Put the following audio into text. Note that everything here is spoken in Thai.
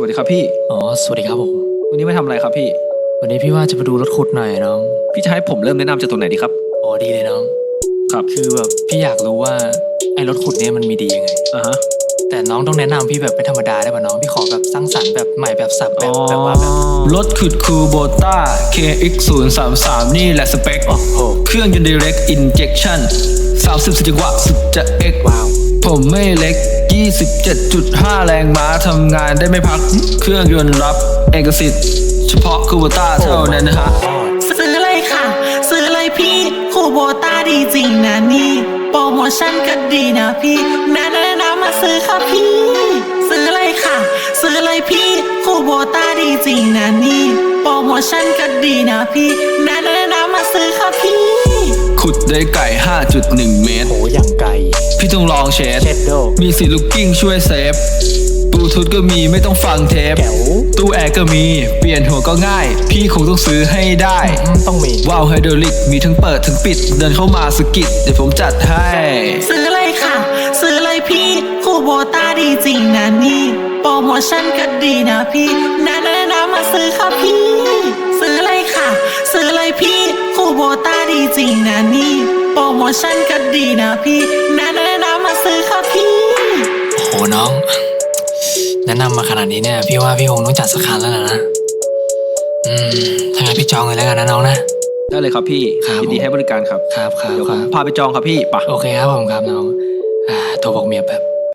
วัสดีครับพี่อ๋อสวัสดีครับผมวันนี้มาทำอะไรครับพี่วันนี้พี่ว่าจะไปดูรถขุดหน่อยน้องพี่จะให้ผมเริ่มแนะนำจากตรงไหนดีครับอ๋อดีเลยน้องครับคือแบบพี่อยากรู้ว่าไอ้รถขุดเนี่ยมันมีดียังไงฮะแต่น้องต้องแนะนำพี่แบบไม่ธรรมดาได้ป่ะน้องพี่ขอแบบสร้างสรรค์แบบใหม่แบบสับแบบว่าแบบรถขุดคูโบต้า KX033 นี่แหละสเปคเครื่องยนต์ Direct Injection 30 จังหวะสุดจะ X ว้าวผมไม่เล็ก 27.5 แรงม้าทำงานได้ไม่พัก เครื่องยนต์รับเอกสิทธิ์ เฉพาะคูโบต้าเท่านั้นนะฮะซื้อเลยค่ะซื้อเลยพี่คูโบต้าดีจริงนะนี่โปรโมชั่นก็ดีนะพี่แนะนำมาซื้อค่ะพี่ซื้อเลยค่ะซื้อเลยพี่คูโบต้าดีจริงนะนี่โปรโมชั่นก็ดีนะพี่แนะนำมาซื้อค่ะพี่ขุดได้ไก่ 5.1 เมตรโหอย่างไกลพี่ต้องลองเชดเช็ดโดมีสีลูกกิ้งช่วยเซฟบลูทูธก็มีไม่ต้องฟังเทปแจ๋วตู้แอร์ก็มีเปลี่ยนหัวก็ง่าย พี่คงต้องซื้อให้ได้ต้องมีว้าวไฮดรอลิกมีทั้งเปิดทั้งปิดเดินเข้ามาสกิดเดี๋ยวผมจัดให้ซื้อเลยค่ะซื้อเลยพี่คูโบต้าดีจริงนะนี่โปรโมชั่นก็ดีนะพี่แนะนำมาซื้อค่ะพี่ซื้อเลยค่ะซื้อเลยพี่คูโบต้าดีจริงนะนี่โปรโมชั่นก็ดีนะพี่แนะนำมาซื้อค่ะพี่โหน้องแนะนำมาขนาดนี้เนี่ยพี่ว่าพี่คงต้องจัดสักคันแล้วนะถ้างั้นพี่จองเลยแล้วกันนะน้องนะได้เลยครับพี่ครับยินดีให้บริการครับครับเดี๋ยวผมพาไปจองครับพี่ปะโอเคครับผมครับน้องโทรบอกเมียแบบ